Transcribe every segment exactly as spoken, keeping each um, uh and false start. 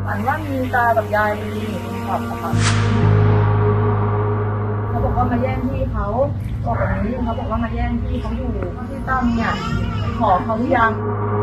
ฝันว่ามีตากับยายมายืนอยู่บนขอบอะค่ะเขาบอกว่ามาแย่งที่เขาบอกแบบนี้เขาบอกว่ามาแย่งที่เขาอยู่ที่ตั้มเนี่ยขอเขาหรือยัง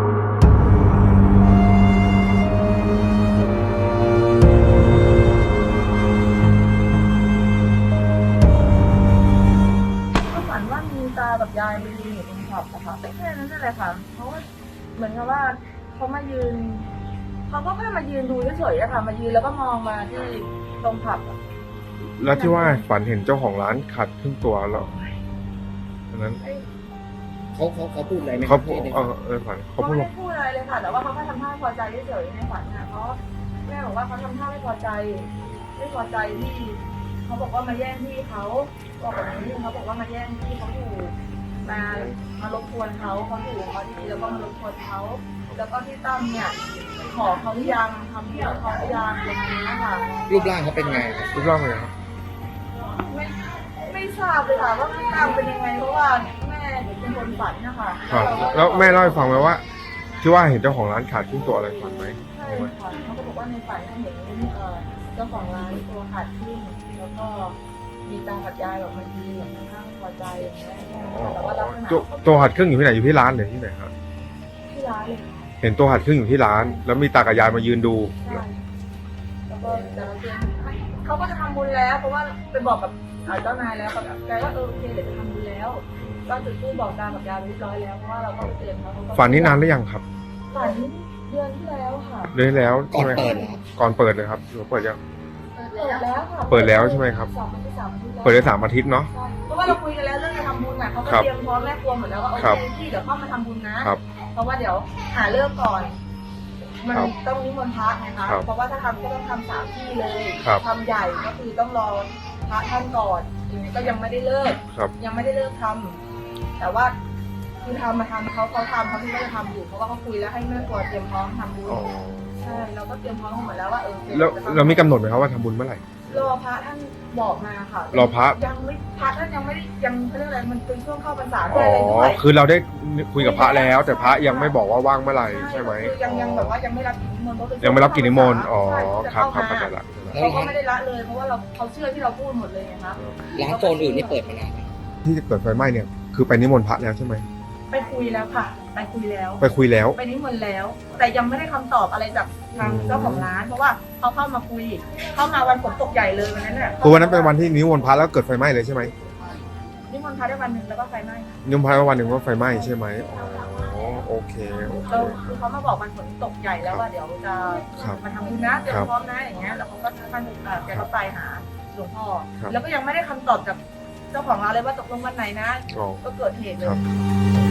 ก็ฝันว่ามีตากับยายมายืนอยู่บนขอบอะค่ะแค่นั้นนั่นแหละค่ะเขาก็เหมือนกับว่าเขามายืนเขาก็แค่มายืนดูเฉยๆอะค่ะมายืนแล้วก็มองมาที่ตรงผับอะแล้วที่ว่าฝันเห็นเจ้าของร้านขาดครึ่งตัวแล้วอันนั้นเขาเขาเขาพูดอะไรไหมเขาพูดที่ในเอฝันอเออฝันเขาเขาพูดไม่ว่าได้พูดอะไรเลยค่ะแต่ว่าเขาแค่ทำท่าพอใจเฉยๆในฝันน่ะเพราะแม่บอกว่าเขาทำท่าไม่พอใจไม่พอใจที่เขาบอกว่ามาแย่งที่เขาบอกแบบนี้เขาบอกว่ามาแย่งที่เขาอยู่มามารบกวนเขาเขาอยู่เขาดีแล้วก็มารบกวนเขาแล้วก็ที่ตั้มเนี่ยขอเขาหรือยังทำเพื่อเขาหรือยังอย่างนี้ค่ะรูปร่างเขาเป็นไงครับรูปร่างเป็นไงครับไม่ไม่ทราบเลยค่ะว่าพี่ตั้มเป็นยังไงเพราะว่าแม่เป็นคนฝันนะคะครับแล้วแม่เล่าให้ฟังไหมว่า ที่ว่าเห็นเจ้าของร้านขาดครึ่งตัวอะไรฝันไหมใช่ค่ะเขาก็บอกว่าในฝันเห็นเอ่อเจ้าของร้านตัวขาดขึ้นแล้วก็มีตากับยายแบบมายืนอย่างข้างๆพอใจอย่างเงี้ยอ๋อแต่ว่าลักษณะตัวตัวหัดครึ่งอยู่ที่ไหนอยู่ที่ร้านหรือที่ไหนครับที่ร้านเลยค่ะเห็นตัวหัดครึ่งอยู่ที่ร้าน แล้วมีตากับยายมายืนดูใช่แล้วก็แต่ละเดือนเขาก็จะทำบุญแล้ว เพราะว่าไปบอกกับเอ่อเจ้านายแล้วกับแกว่าเออโอเคเดี๋ยวจะทำบุญแล้วก็จุดธูปบอกตากับยายเรียบร้อยแล้วเพราะว่าเราก็ไปเตือนเขาเขาก็ฝันนี้นานหรือยังครับฝันเดือนที่แล้วค่ะเดือนที่แล้วก่อใช่นไหมเปิดเหรอครับก่อนเปิดเลยครับหรือว่าเปิดยังเปิดแล้วค่ะเปิดแล้วใช่ไหมครับสองอาทิตย์สามอาทิตย์แล้วเปิดได้สามอาทิตย์เนาะใช่เพราะว่าเราคุยกันแล้วเรื่องจะทำบุญอ่ะเขาก็ครับเตรียมพร้อมแม่ครัวหมดแล้วว่าโอครับเคพี่เดี๋ยวเข้ามาทำบุญนะครับ เพราะว่าเดี๋ยวหาเลิกก่อน มันครับต้องนิมนต์พระไงคะครับเพราะว่าถ้าทำก็ต้องทำสามที่เลยครับทำใหญ่ก็คือต้องรอพระท่านก่อนอย่างนี้ก็ยังไม่ได้เลิกครับยังไม่ได้เลิกทำแต่ว่าคือทำมาทำเขาเขาทำเขาที่ก็จะทำอยู่เพราะว่าเขาคุยแล้วให้แม่ครัวเตรียมพร้อมทำบุญอ๋อใช่เราก็เตรียมพร้อมหมดแล้วว่าเออแล้วเรามีกำหนดไหมครับว่าทำบุญเมื่อไหร่รอพระท่านบอกมาค่ะรอพระยังไม่พระท่านยังไม่ได้ยังเขาเรียกอะไรมันเป็นช่วงเข้าพรรษาด้อ๋วยอะไรด้อวยคือเราได้คุยกับพระแล้ว แต่พระยังไม่บอกว่าว่างเมื่อไหร่ใช่ไหมคือยังยังแบบว่ายังไม่รับกิจนิมนต์เพราะเป็นยังไม่รับกิจนิมนต์อ๋อใช่จะครับเข้าครับมาเข้าใจละเขาก็ไม่ได้ละเลยเพราะว่าเราเขาเชื่อที่เราพูดหมดเลยไงคะร้านโซนอื่นนี่เปิดมานานไหมที่เกิดไฟไหม้เนี่ยคือไปนิมนต์พระแล้วใช่ไหมไปคุยแล้วค่ะ ไปคุยแล้วไปคุยแล้วไปนิมนต์แล้ว แต่ยังไม่ได้คำตอบอะไรจากทางเจ้าของร้าน เพราะว่าเขาเข้ามาคุย เข้ามาวันฝนตกใหญ่เลยวันนั้นน่ะคือวันนั้นเป็นวันที่นิมนต์พระแล้วเกิดไฟไหม้เลยใช่ไหมนิมนต์พระได้วันหนึ่งแล้วก็ไฟไหม้ค่ะนิมนต์พระวันหนึ่งว่าไฟไหม้ใช่ไหมอ๋อโอเคโอเคเราคือเขามาบอกวันฝนตกใหญ่แล้วว่าเดี๋ยวจะครับมาทำบุญนะเตรียครัมบพร้อมนะอย่างเงี้ยแล้วเขาก็ท่านเอ่อแกก็ไปหาหลวงพ่อครับแล้วก็ยังไม่ได้คำตอบจากเจ้าของร้านเลยว่าตกลงวันไหนนะอ๋อก็เกิดเหตุเลครัยบ